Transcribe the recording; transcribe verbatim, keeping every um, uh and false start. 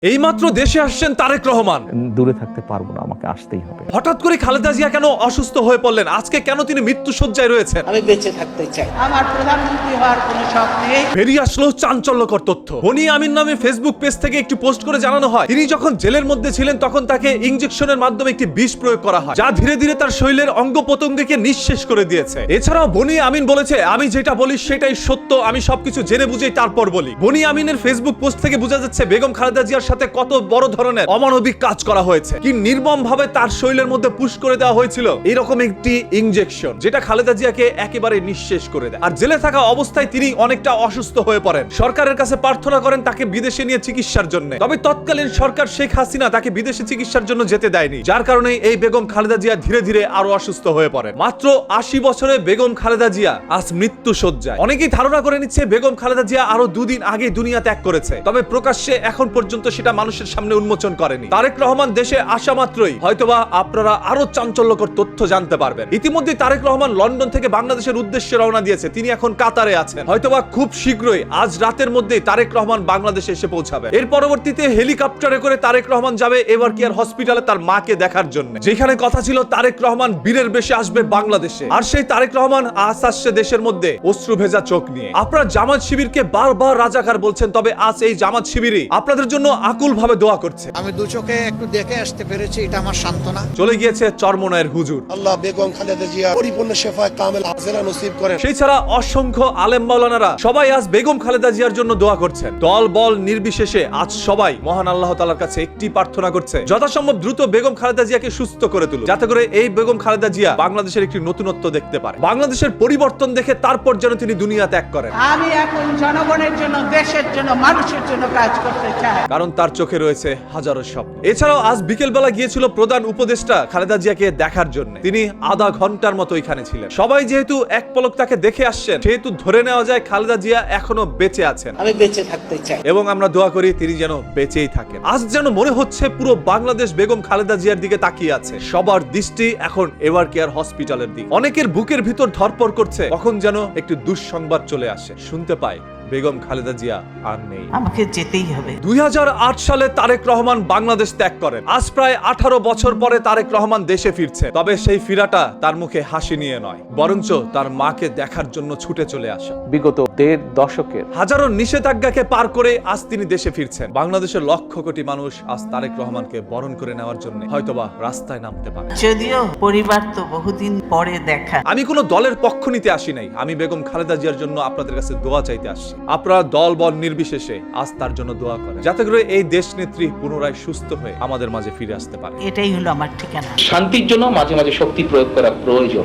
এইমাত্র দেশে আসছেন তারেক রহমান। দূরে থাকতে পারবো না, আমাকে আসতেই হবে। হঠাৎ করে খালেদা জিয়া কেন অসুস্থ হয়ে পড়লেন? আজকে কেন তিনি মৃত্যুশয্যায় রয়েছেন? আমি বেঁচে থাকতে চাই, আমার প্রধানমন্ত্রী হওয়ার কোনো শখ নেই। বেরিয়ে আসলো চাঞ্চল্যকর তথ্য। বনি আমিন নামে ফেসবুক পেজ থেকে একটি পোস্ট করে জানানো হয়, তিনি যখন জেলের মধ্যে ছিলেন তখন তাকে ইনজেকশনের মাধ্যমে একটি বিষ প্রয়োগ করা হয়, যা ধীরে ধীরে তার শরীরের অঙ্গ প্রত্যঙ্গকে নিঃশেষ করে দিয়েছে। এছাড়াও বনি আমিন বলেছে, আমি যেটা বলি সেটাই সত্য, আমি সবকিছু জেনে বুঝেই তারপর বলি। বনি আমিনের ফেসবুক পোস্ট থেকে বোঝা যাচ্ছে বেগম খালেদা জিয়ার সাথে কত বড় ধরনের অমানবিক কাজ করা হয়েছে, কি নির্মম ভাবে তার শরীরের মধ্যে পুশ করে দেওয়া হয়েছিল এরকম একটি ইনজেকশন, যেটা খালেদা জিয়াকে একেবারে নিঃশেষ করে দেয়। আর জেলে থাকা অবস্থায় তিনি অনেকটা অসুস্থ হয়ে পড়েন। সরকারের কাছে প্রার্থনা করেন তাকে বিদেশে নিয়ে চিকিৎসার জন্য। তবে তৎকালীন সরকার শেখ হাসিনা তাকে বিদেশে চিকিৎসার জন্য যেতে দেয়নি, যার কারণে এই বেগম খালেদা জিয়া ধীরে ধীরে আরো অসুস্থ হয়ে পড়েন। মাত্র আশি বছরে বেগম খালেদা জিয়া আজ মৃত্যু শয্যায়। অনেকেই ধারণা করে নিচ্ছে বেগম খালেদা জিয়া আরো দুদিন আগে দুনিয়া ত্যাগ করেছে, তবে প্রকাশ্যে এখন পর্যন্ত সেটা মানুষের সামনে উন্মোচন করেনি। তারেক রহমান দেশে আসা মাত্রই হয়তোবা আপনারা আরো চাঞ্চল্যকর তথ্য জানতে পারবেন। ইতিমধ্যে তারেক রহমান লন্ডন থেকে বাংলাদেশের উদ্দেশ্যে রওনা দিয়েছে, তিনি এখন কাতারে আছেন। হয়তোবা খুব শীঘ্রই আজ রাতের মধ্যেই তারেক রহমান বাংলাদেশে এসে পৌঁছাবে। এর পরবর্তীতে হেলিকপ্টারে করে তারেক রহমান যাবে এভার কেয়ার হসপিটালে তার মাকে দেখার জন্য, যেখানে কথা ছিল তারেক রহমান বীরের বেশে আসবে বাংলাদেশে। আর সেই তারেক রহমান আজ আসছে দেশের মধ্যে অশ্রু ভেজা চোখ নিয়ে। আপনারা জামাত শিবিরকে বারবার রাজাকার বলছেন, তবে আজ এই জামাত শিবিরই আপনাদের জন্য আকুল ভাবে দোয়া করছে। আমি দু চোখে একটু দেখে আসতে পেরেছি, এটা আমার সান্ত্বনা। চলে গিয়েছে চরমনায়ের হুজুর। আল্লাহ বেগম খালেদা জিয়া পরিপূর্ণ শেফায়ে কামেল আজেলা নসিব করেন। সেই ছাড়া অসংখ্য আলেম মাওলানারা সবাই আজ বেগম খালেদা জিয়ার জন্য দোয়া করছেন। দল বল নির্বিশেষে আজ সবাই মহান আল্লাহ তাআলার কাছে একটি প্রার্থনা করছে, যথাসম্ভব দ্রুত বেগম খালেদা জিয়াকে সুস্থ করে তুলুন, যাতে করে এই বেগম খালেদা জিয়া বাংলাদেশের একটি নতুনত্ব দেখতে পারে, বাংলাদেশের পরিবর্তন দেখে তারপর যেন তিনি দুনিয়া ত্যাগ করেন। আমি এখন জনগণের জন্য, দেশের জন্য, মানুষের জন্য কাজ করতে চাই, কারণ তার চোখে রয়েছে হাজারো স্বপ্ন। এছাড়াও আজ বিকেল বেলা গিয়েছিল প্রধান উপদেষ্টা খালেদা জিয়াকে দেখার জন্য। তিনি আধা ঘন্টার মতো এখানে ছিলেন। সবাই যেহেতু এক পলক তাকে দেখে আসছেন, সেহেতু ধরে নেওয়া যায় খালেদা জিয়া এখনো বেঁচে আছেন। আমি বেঁচে থাকতে চাই এবং আমরা দোয়া করি তিনি যেন বেঁচেই থাকেন। আজ যেন মনে হচ্ছে পুরো বাংলাদেশ বেগম খালেদা জিয়ার দিকে তাকিয়ে আছে। সবার দৃষ্টি এখন এভার কেয়ার হসপিটালের দিকে। অনেকের বুকের ভিতর ধড়পড় করছে, কখন যেন একটু দুঃসংবাদ চলে আসে। শুনতে পাই বেগম খালেদা জিয়া আর নেই। আমাকে যেতেই হবে। দুই হাজার আট সালে তারেক রহমান বাংলাদেশ ত্যাগ করেন। আজ প্রায় আঠারো বছর পরে তারেক রহমান দেশে ফিরছে। তবে সেই ফিরাটা তার মুখে হাসি নিয়ে নয়, বরঞ্চ তার মাকে দেখার জন্য ছুটে চলে আসা। বিগত দেড় দশকের হাজারো নিষেধাজ্ঞাকে পার করে আজ তিনি দেশে ফিরছেন। বাংলাদেশের লক্ষ কোটি মানুষ আজ তারেক রহমানকে বরণ করে নেওয়ার জন্য হয়তোবা রাস্তায় নামতে পারে। যদিও পরিবার তো বহুদিন পরে দেখা। আমি কোনো দলের পক্ষ নিতে আসি নাই, আমি বেগম খালেদা জিয়ার জন্য আপনাদের কাছে দোয়া চাইতে আসছি। আপনারা দল বল নির্বিশেষে আজ তার জন্য দোয়া করেন, যাতে করে এই দেশ নেত্রী পুনরায় সুস্থ হয়ে আমাদের মাঝে ফিরে আসতে পারে। এটাই হলো আমার ঠিকানা। শান্তির জন্য মাঝে মাঝে শক্তি প্রয়োগ করা প্রয়োজন।